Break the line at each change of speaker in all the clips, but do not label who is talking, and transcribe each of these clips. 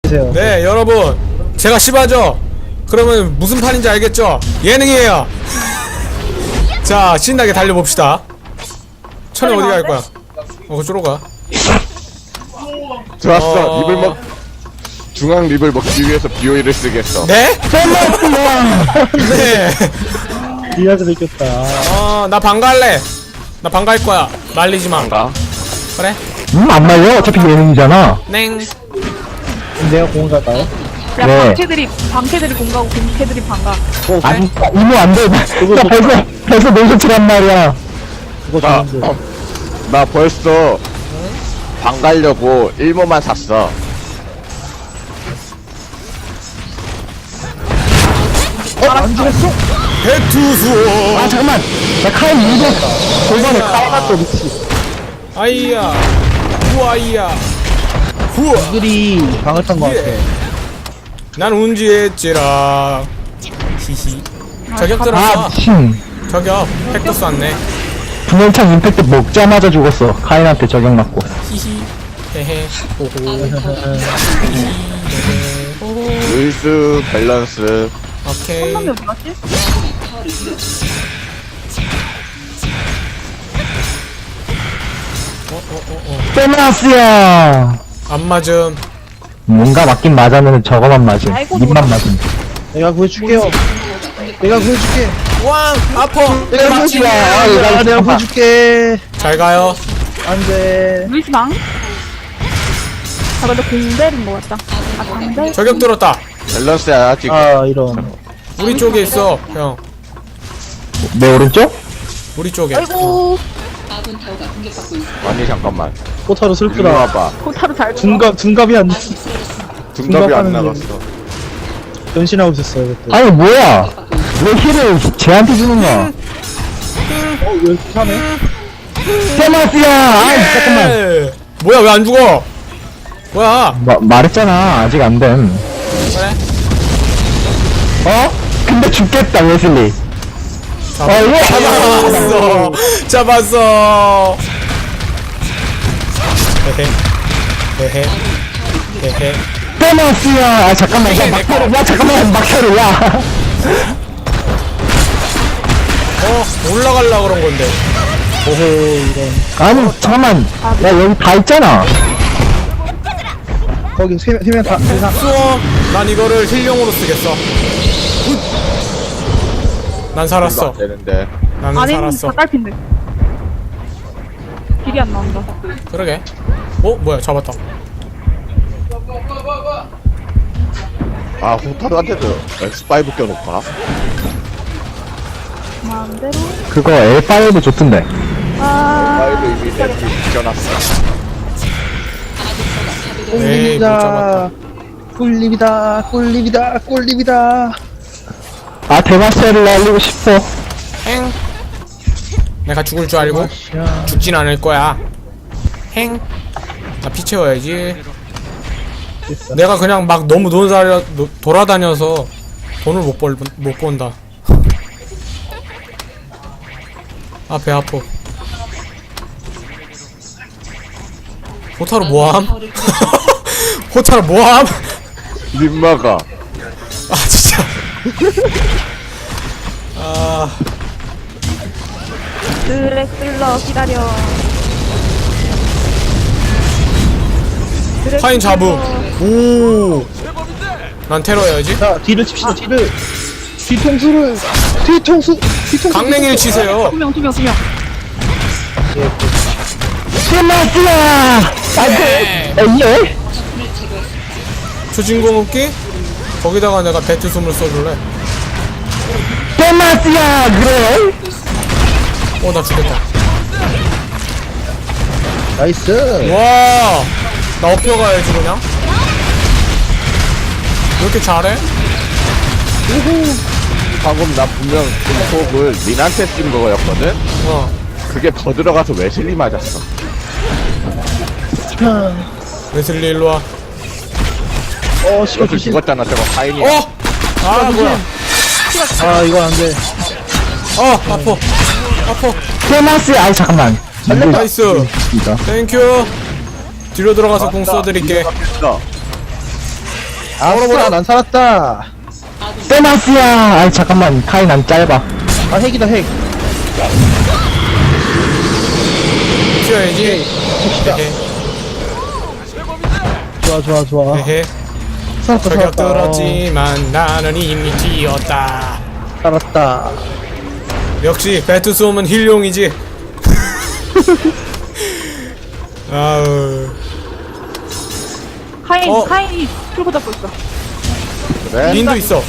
주세요.
네 여러분 제가 시바죠? 그러면 무슨 판인지 알겠죠? 예능이에요. 자 신나게 달려봅시다. 천에 어디 갈 거야? 그쪽으로 가.
좋았어. 립을 먹 중앙 립을 먹기 위해서 BOE를 쓰겠어.
네? 네.
리아드 느꼈다.
나 방갈래. 나 방갈 거야. 말리지 마.
가.
그래?
안 말려. 어차피 예능이잖아.
냉.
내가 공을 갈까요?
야
네.
방캐들이 공가고 공캐들이 방가.
아니, 이모 안 돼. 나 벌써 노쇼트란 말이야.
그거 좋은데.
나 벌써 방 가려고 1모만 샀어.
안 죽었어?
배투수.
아, 잠깐만. 나 카인 이거 골반에 깔았어, 미치.
아이야. 후아이야. 후아.
이들이 방을 탄 거 같아.
난 운지했지라. 히히. 저격
아,
들었어.
미친.
저격. 팩도 쐈네.
분열창 임팩트 먹자마자 죽었어. 카인한테 저격 맞고.
히히. 헤헤. 호호.
루이스 밸런스.
오케이.
놈이 어디 갔지?
페마스야.
안 맞음.
뭔가 맞긴 맞았는데 저거만 맞음.
아이고,
입만 맞음.
내가 구해줄게요. 내가 구해줄게.
왕 아파.
내가 구해줄게. 내가 구해줄게.
잘 가요.
안 돼.
루이스 방? 아 근데 공대인 거 같다. 아 방대?
저격 들었다.
밸런스야 아직.
아, 이런.
우리 쪽에 있어, 형.
내 오른쪽?
우리 쪽에.
아이고
아니 잠깐만.
포타로
이리
슬프다.
와봐.
코타로 잘
둔갑이 안 됐어.
둔갑이 안
둔갑하는
나갔어.
변신하고 있었어, 이것도.
아니, 뭐야. 왜 힐을 쟤한테 주는 거야?
왜 이렇게 사네?
페마스야. 아이, 잠깐만.
예. 뭐야, 왜 안 죽어? 뭐야?
말했잖아. 아직 안 됨.
그래?
어? 근데 죽겠다, 웨슬리. 이거
잡았어. 잡았어. 헤헤. 헤헤. 헤헤.
페마스야. 아, 잠깐만. 야, 막혀를. 야, 잠깐만. 막혀를. 야.
올라갈라 그런 건데.
오호, 이런.
아니, 잠깐만. 야, 여기 다 있잖아.
거기 세 명 다,
수어. 난 이거를 힐용으로 쓰겠어. 굿. 난 살았어.
되는데.
나는
아닌
살았어.
닭갈핀데. 길이 안 나온다.
그러게. 뭐야, 잡았다.
아 호타루한테도 X5 껴놓구나.
마음대로.
그거 L5도 좋던데.
X5 이미 내 붙여놨어.
에이, 못 잡았다.
꿀립이다. 꿀립이다. 꿀립이다.
아, 대마스를 날리고 싶어.
행. 내가 죽을 줄 알고
야,
죽진 않을 거야. 행. 나 피 채워야지. 내가 그냥 막 너무 돌아다녀서 돈을 못 번다. 아, 배 아파. 호타루 뭐함? 호타루 뭐함?
림마가.
아, 진짜. 아,
드렉슬러 기다려. 드렉슬러.
파인 잡음. 오. 난 테러해야지.
자, 뒤를 칩시다, 뒤를. 뒤통수를. 뒤통수.
강냉이를 치세요.
두명.
페마스야.
네.
예?
초진공 없기? 거기다가 내가 배트 숨을 써줄래?
페마스야. 그래?
나 죽겠다.
나이스.
와, 나 업혀가야지 그냥. 왜 이렇게 잘해?
방금 나 분명 공폭을 린한테 쓴 거였거든? 그게 더 들어가서 웨슬리 맞았어.
웨슬리 일로 와.
시간
여기
조심.
죽었잖아 저거 파인이야.
아, 뭐야?
아, 이건 안 돼.
아파.
페마스야. 아이, 잠깐만.
나이스.
진짜.
땡큐. 뒤로 들어가서 공 써드릴게.
어.
아싸, 난 살았다.
세나스야. 아이 잠깐만 카인 안 짧아.
아, 핵이다, 핵.
튀어야지. 헤헤.
좋아, 좋아, 좋아.
헤헤.
살았다,
저격
살았다.
들었지만 나는 이미 뛰었다.
살았다.
역시 배트솜은 힐용이지. 아우.
카인이 풀고 잡고 있어.
그래?
린도 있어.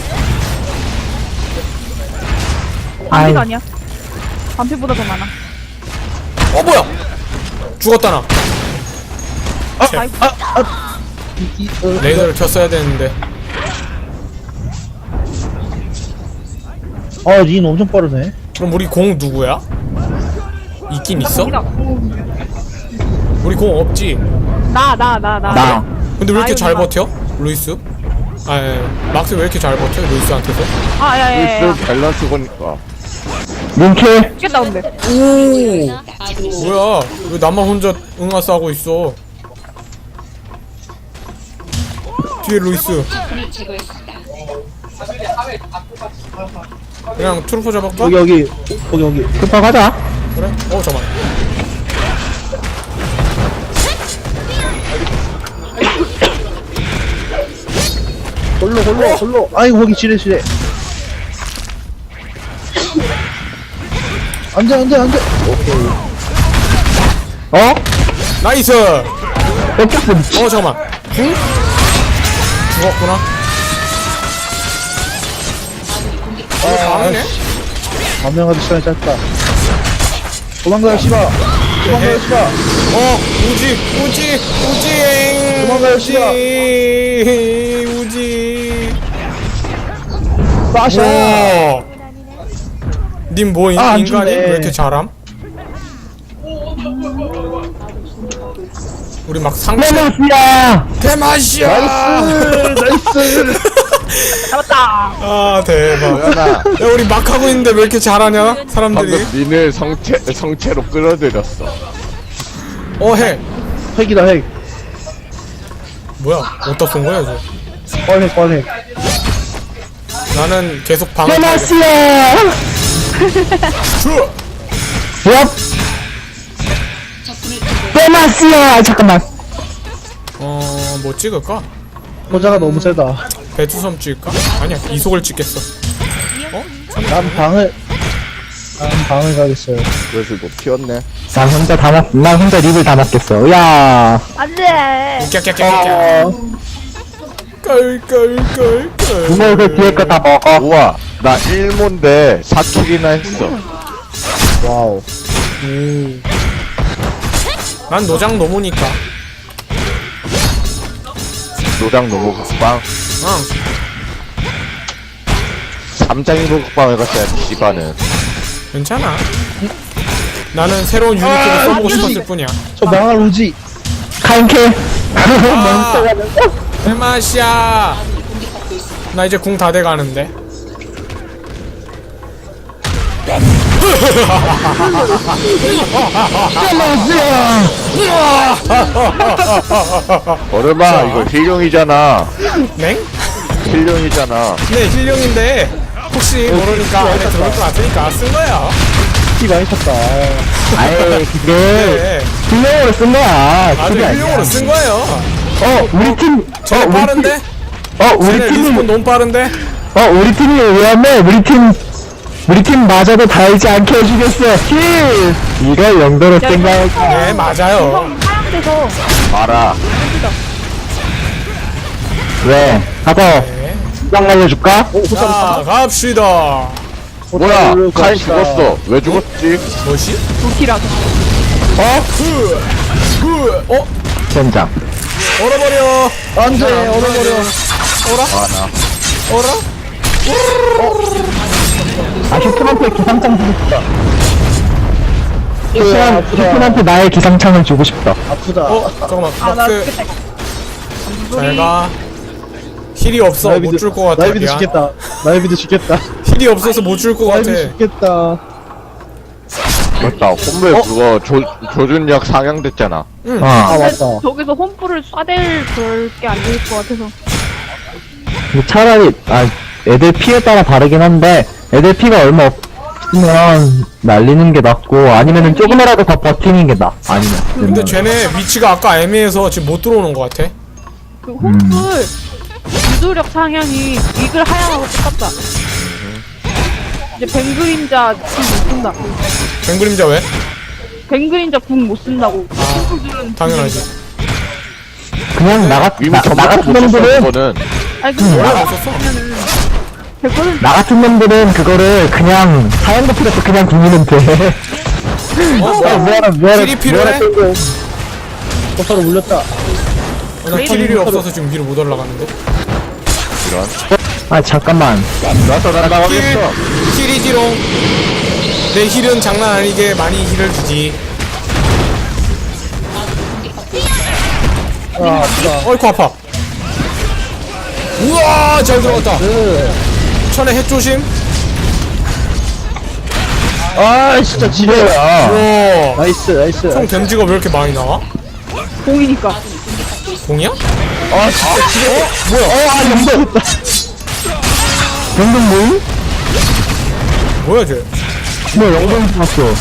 아이
반피가 아니야. 반피보다 더 많아.
뭐야? 죽었다 나. 레이더를 켰어야 되는데.
린 엄청 빠르네.
그럼 우리 공 누구야? 있긴 있어?
공이다.
우리 공 없지?
나.
근데 왜 이렇게 잘
아이고,
버텨? 루이스? 막스 왜 이렇게 잘 버텨? 루이스한테서?
야야야야.
루이스 밸런스 보니까.
링킬.
죽겠다 근데.
뭐야? 왜 나만 혼자 응아싸 하고 있어? 뒤에 루이스. 그냥 트루퍼 잡을까?
여기.
급하 가자.
그래? 잠깐만.
골로. 아이고, 거기 지뢰. 안 돼.
어?
나이스!
뺏겼어 미친.
잠깐만. 응? 죽었구나. 다르네?
반명하기 시간이 짧다. 도망가요, 씨발.
우지.
도망가요, 씨발.
우지.
빠샤.
님 뭐
안
인간이
죽네.
왜 이렇게 잘함? 우리 막 상체
세나스야.
대맛이야.
나이스.
아 대박.
도연아,
야 우리 막 하고 있는데 왜 이렇게 잘하냐 사람들이?
방금 민을 성체로 끌어들였어.
해.
핵이다, 핵.
뭐야? 어디다 쏜 거야 이제?
뻔핵.
나는 계속 방을
세나스야.
주.
얍. 세나스야. 잠깐만.
뭐 찍을까?
호자가 너무 세다.
배추섬 찍을까? 아니야 이속을 찍겠어.
난 방을 가겠어요.
그래서 높이었네.
난 혼자 립을 다 맞겠어. 야.
안돼.
깍깍깍깍. 끌끌끌끌.
이거 그 뒤에 거 다 먹어.
우와, 나 1모인데 4킬이나 했어.
와우.
난 노장 노무니까.
노장 노무 국방.
응.
3장이고 국방을 갔어야지, 씨발은.
괜찮아. 나는 새로운 유니트를 써보고 싶었을 뿐이야.
저 망할 우지.
카인킬.
대맛이야. 나 이제 궁 다 돼가는데.
얼마 이거 힐용이잖아.
맹?
힐용이잖아.
네 힐용인데 혹시 모르니까 안에 들어올 것 같으니까 쓴 거야.
피 많이 쳤다.
아이 그게
네.
힐링으로 쓴 거야.
아주
그게 아니야.
힐용으로 쓴 거예요.
우리 팀.
쟤네 빠른데?
우리
쟤네 리스폰
팀이.
너무 빠른데?
우리 팀이 위험해. 우리 팀 마저도 달지 않게 해주겠어. 힐. 이걸 영도로 생각할까?
네 맞아요.
하향돼서
봐라.
왜? 하고
네.
수강 날려줄까?
자 갑시다.
뭐야, 카인 죽었어. 왜 죽었지?
뭐시?
도키라서.
젠장.
얼어버려.
안돼, 얼어버려.
아, 나.
얼어?
슈퍼한테 기상창 주고 싶다.
아프다.
슈퍼한테 나의 기상창을 주고 싶다.
아프다.
잠깐만
나
마크
죽겠다.
잘가. 힐이 없어 못 줄 것 같아.
나이비드
미안.
죽겠다. 나이비드 죽겠다.
힐이 없어서 못 줄 것 같아.
나이비드 죽겠다.
맞다. 홈블 그거 조준력 상향됐잖아.
아, 맞다.
저기서 홈프를 쏴댈 그럴 게 안 될 것 같아서.
근데 차라리 애들 피에 따라 다르긴 한데 애들 피가 얼마 없으면 날리는 게 낫고 아니면은 조금이라도 더 버티는 게 나아. 아니면
근데 쟤네 위치가 아까 애매해서 지금 못 들어오는 것 같아.
그 홈플 유도력 상향이 이글 하향하고 똑같다. 이제 뱅그림자 궁 못 쓴다.
뱅그림자 왜?
뱅그림자 궁 못 쓴다고. 홈플들은
당연하지.
그냥
이미
나
전부터
같은
못 썼어
놈들은
그거는.
아니 근데
원래
뭐라
못 썼어.
하면은 100%
나 같은 놈들은 그거를 그냥 사연도 필요 없고 그냥 구미면 돼.
힐이 필요해?
버터를 물렸다.
나 힐이 없어서 지금 위로 못 올라가는데.
이런.
아 잠깐만.
나서 날아가겠어.
힐이지롱. 내 힐은 장난 아니게 많이 힐을 주지.
아, 아프다.
어이쿠 아파. 우와 잘 들어갔다. 천에 핵 조심.
아, 진짜 지뢰야.
우와.
나이스, 나이스.
총 댐지가 왜 이렇게 많이 나와?
공이니까.
공이야?
아, 진짜 지뢰.
아 영동. 영동 뭐임?
뭐야 쟤?
뭐 영동 봤어.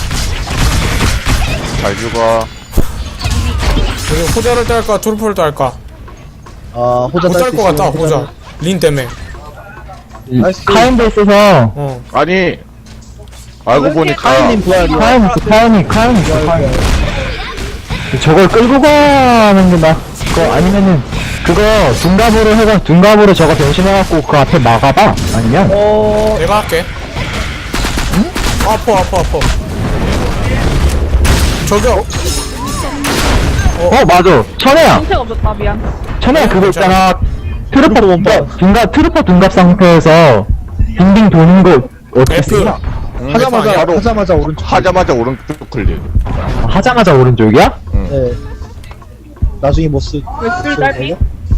잘 죽어.
우리 호자를 딸까 트루퍼를 딸까?
아, 호자
못 딸 것 같다 호자. 린 때문에.
나이스.
카인도 있어서
어.
아니. 알고 보니까
카이님 부활이야.
카인 있어 카인이 카인. 저걸 끌고 가는 게 나. 그거 아니면은 그거 둔갑으로 저거 변신해갖고 그 앞에 막아봐. 아니면
내가 할게. 응? 아파. 저기요.
맞아. 천혜야.
정체가 없었다 미안.
천혜야 그거 있잖아. 트루퍼
원반.
트루퍼 둔갑 상태에서 빙빙 도는 거 어떻게
F.
쓰냐?
하자마자,
바로
하자마자 오른쪽.
하자마자 오른쪽 클릭.
하자마자 오른쪽이야?
네. 나중에 못 쓰.
웹줄 딸피.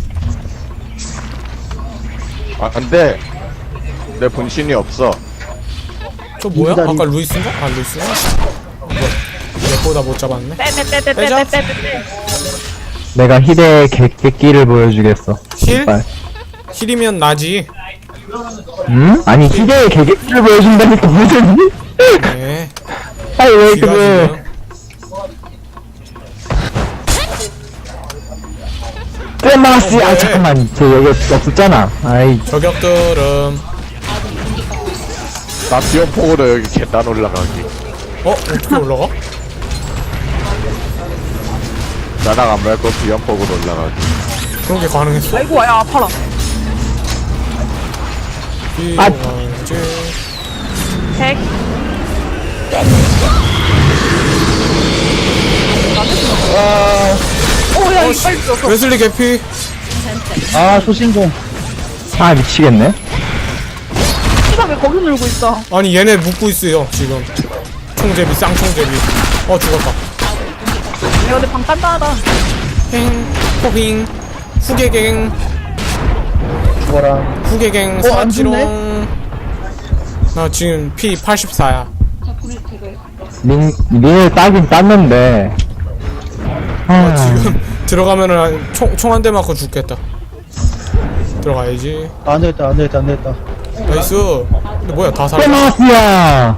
아 근데 내 분신이 없어.
저 뭐야?
인자리.
아까 루이스인가? 아 루이스야? 얘보다 못 잡았네.
빼빼빼빼빼빼빼.
내가 희대의 객기를 보여주겠어.
힐?
제발.
힐이면 나지.
응? 아니 희대의 객기를 보여준다니까 무슨?
네.
아니 왜
귀가
그래?
지금.
떼마스.
왜?
아 잠깐만 저 여기 없었잖아. 아이
저격들음.
나 비염폭으로 여기 계단 올라가기.
어떻게 올라가?
나랑 안 밟고 비염폭으로 올라가기.
그런 게 가능했어?
아이고 야 아파라.
비용한지.
100. 오야 이거 빨리 죽었어.
웨슬리 개피.
아, 소신공.
아 미치겠네.
씨발 왜 거기 놀고 있어?
아니 얘네 묶고 있어요 지금. 총제비 쌍총제비. 죽었다.
야 근데 방 단단하다.
행 포빙 후계갱
죽어라.
후계갱
안
사지롱. 나 지금 피 84야.
민을 따긴 땄는데.
지금 들어가면은 총 한 대 맞고 죽겠다. 들어가야지.
아, 안 되겠다, 안 되겠다, 안 되겠다.
나이스. 근데 뭐야 다 살아.
떼마스야.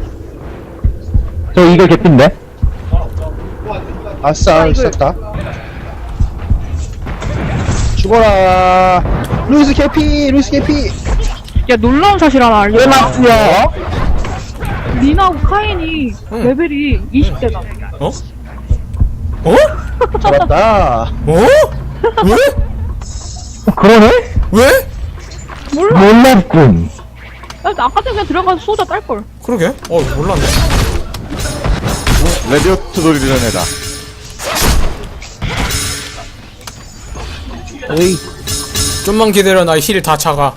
저 이거 개핀데?
아싸,
이걸-
썼다. 죽어라. 루이스 캐피, 루이스 캐피.
야 놀라운 사실 하나 알려.
떼마스야.
니나하고 카인이
응.
레벨이 20대다.
어? 어?
잡았다.
어? 왜?
그러네?
왜?
몰라.
몰랐군.
나 아까 전에 그냥 들어가서 쏘자 딸걸.
그러게? 몰랐네.
레디오트 소리 들은 애다.
오이,
좀만 기다려. 나 힐 다 차가.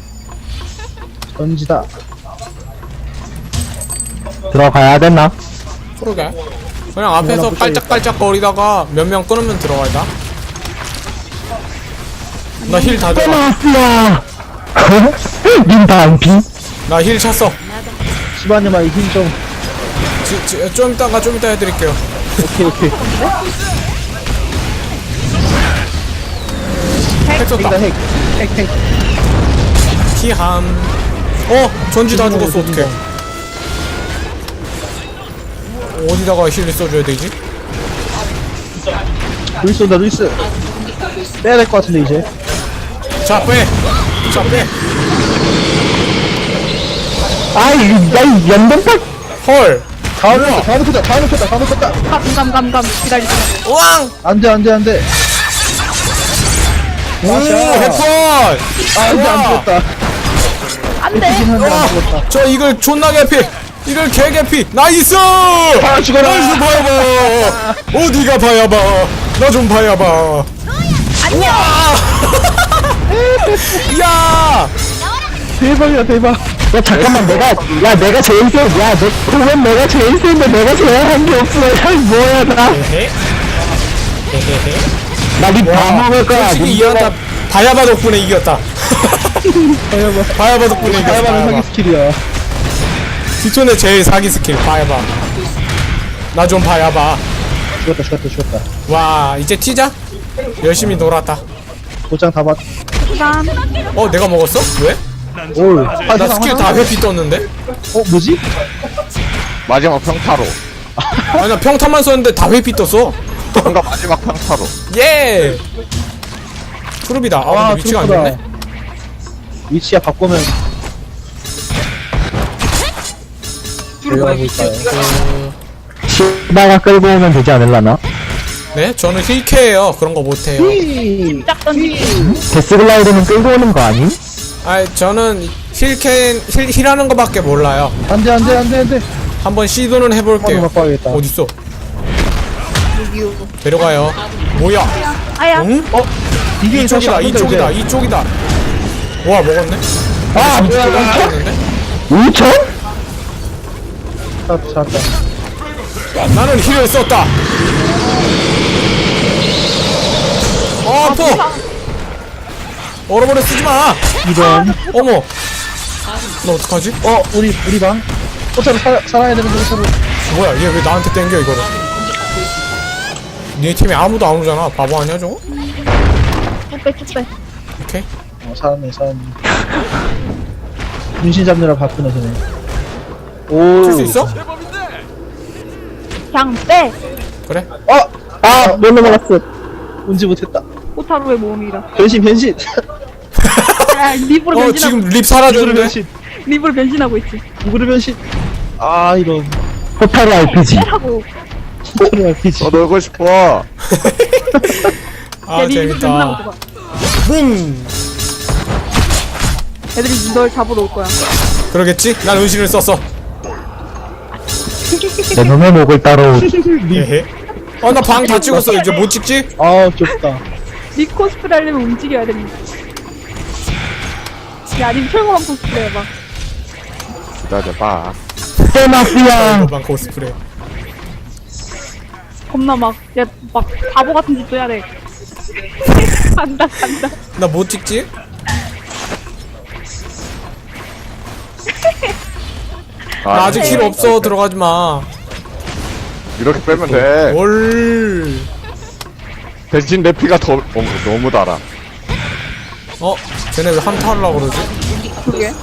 던지다.
들어가야 되나?
그러게. 그냥 앞에서 깔짝깔짝 거리다가 몇 명 끊으면 들어가야. 나 힐 다 들어.
떼마스야. 닌 반피?
나 힐 찼어.
시바님아, 힘 좀.
좀 이따 해드릴게요.
오케이, 오케이.
핵 썼다.
핵, 핵, 핵.
히함. 전지 다 죽었어. 어떡해. 어디다가 힐을 써줘야 되지?
루이스 온다 루이스. 빼야 될 것 같은데 이제.
자 빼. 자 빼.
아이 야이 연동파
헐.
다 놓쳤다 다 놓쳤다 다 놓쳤다 다 놓쳤다.
감 기다리세요.
우왕.
안돼 안돼 안돼.
오 해펀.
안돼 안 죽었다.
안돼.
한데 안 죽었다.
저 이걸 존나 개피. 이걸 개 개피. 나이스.
죽어라.
나이스 봐야봐. 어디가 봐야봐. 나 좀 봐야봐.
안녕.
야.
대박이야 대박.
야 잠깐만 내가 제일 세야 너 그러면 내가 제일 센데 내가 제일 한 게 없어 야 뭐야 나니다 먹을 거야
솔직히 이겼다. 바야바 덕분에 이겼다. 바야바 덕분에 이겼다.
다이아바는 사기 스킬이야.
기존의 제일 사기 스킬 바야바. 나 좀 바야바.
죽었다.
와 이제 튀자. 열심히 놀았다.
도장 다 봤.
감.
내가 먹었어? 왜?
올.
나 스킬 다 회피 떴는데?
뭐지?
마지막 평타로.
아니 나 평타만 썼는데 다 회피 떴어.
뭔가 마지막 평타로.
예. 트루비다. 근데 위치가 안 좋네.
위치야 바꾸면. 내려가고 있어요.
시바가 끌고 오면 되지 않을라나?
네, 저는 힐캐예요. 그런 거 못해요.
짝 던지기.
데스글라이드는 끌고 오는 거 아니?
저는 힐하는 거밖에 몰라요.
안돼.
한번 시도는 해볼게요.
한번 바꿔야겠다.
어딨어? 데려가요. 뭐야?
아야.
응?
이게
이쪽이다. 이쪽이다. 와 먹었네.
아
뭐야?
먹었는데?
5천?
잡았다.
나는 힐을 썼다. 아파. 얼어버려 쓰지 마.
이런.
어머. 너 어떡하지?
우리 방. 어차피 살아야 되는데 서로.
뭐야 얘 왜 나한테 땡겨 이거를. 네 팀에 아무도 안 오잖아. 바보 아니야 저거?
쭉 빼.
오케이.
살았네. 문신 잡느라 바쁘네 쟤네. 오.
줄 수 있어?
그냥 빼.
그래.
못 넘어갔어
운지 못했다.
호타루의 모험이다.
변신.
야, 립으로 변신하고.
지금 립
누구를
사라졌는데.
변신.
립으로 변신하고 있지.
누구를 변신. 이런.
호타루 RPG
하고.
호타루 RPG.
놀고 싶어.
아 재밌다. 뿡.
애들이 널 잡으러 올 거야.
그러겠지? 난 은신을 썼어.
내 놈의 목을 따로
헤헤. 나 방 다 찍었어. 이제 못 찍지?
좁다.
립 코스프레 하려면 움직여야 됩니다. 야, 립 철거만 코스프레 해봐.
기다려봐.
세마피아
방 코스프레.
겁나 막 바보 같은 짓도 해야 돼. 간다.
나 못 찍지? 나 아직 힐 없어. 들어가지 마.
이렇게 빼면 돼.
올.
대신 내 피가 너무 달아.
쟤네 왜 한타 하려고 그러지?
그게.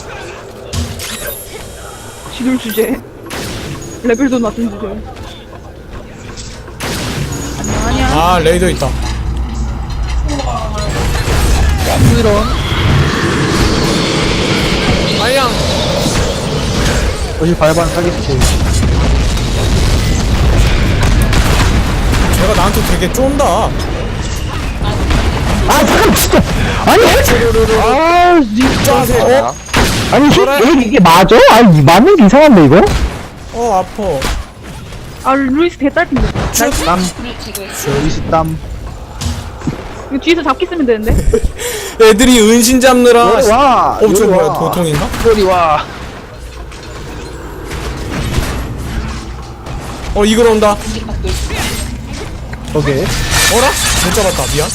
지돌 주제. 레벨도 낮은 주제. 안녕.
레이더 있다.
이런.
아양.
어디 발반 사기 스킬.
쟤가 나한테 되게 쫀다.
잠깐 진짜 아니
짜세.
아니
그래?
이게 맞아? 아니 맞는 게 이상한데 이거?
아파.
루이스 개딸핀데.
땀. 루이스 땀.
이거 뒤에서 잡기 쓰면 되는데.
애들이 은신 잡느라.
와.
저 뭐야 도통인가?
요리 와.
이걸 온다.
오케이.
어라? 못 잡았다. 미안.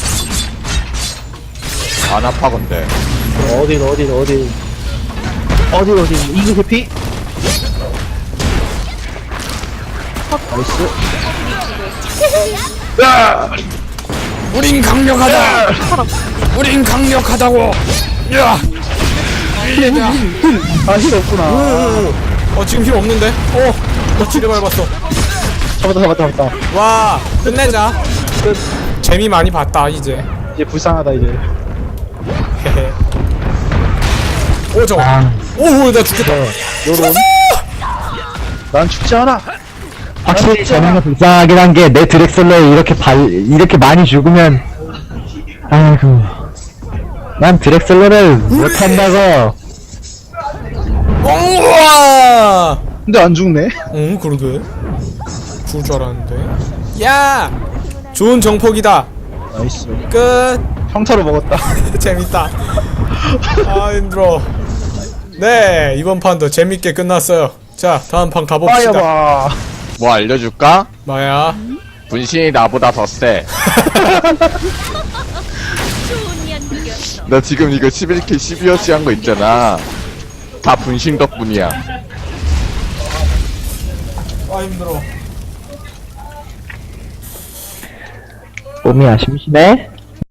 안 아파 근데.
어디. 이거 개피. 나이스.
우린 강력하다. 우린 강력하다고. 야.
힐 없구나.
지금 힘 없는데? 너 지뢰 밟았어.
잡았다.
와, 끝내자. 재미 많이 봤다, 이제.
이제 불쌍하다, 이제.
헤헤. 저거.
아,
나 죽겠다.
요런. 난 죽지 않아.
확실히 저는 불쌍하긴 한 게 내 드렉슬러에 이렇게 많이 죽으면 아이고 난 드렉슬러를 못한다고.
우와!
근데 안 죽네.
그러게. 죽을 줄 알았는데. 야! 좋은 정폭이다.
나이스.
끝.
평타로 먹었다.
재밌다. 힘들어. 네, 이번 판도 재밌게 끝났어요. 자, 다음 판 가봅시다.
빠여봐.
뭐 알려줄까?
뭐야?
분신이 나보다 더 세. 나 지금 이거 11킬 12어치 한 거 있잖아. 다 분신 덕분이야.
힘들어.
몸이 심심해?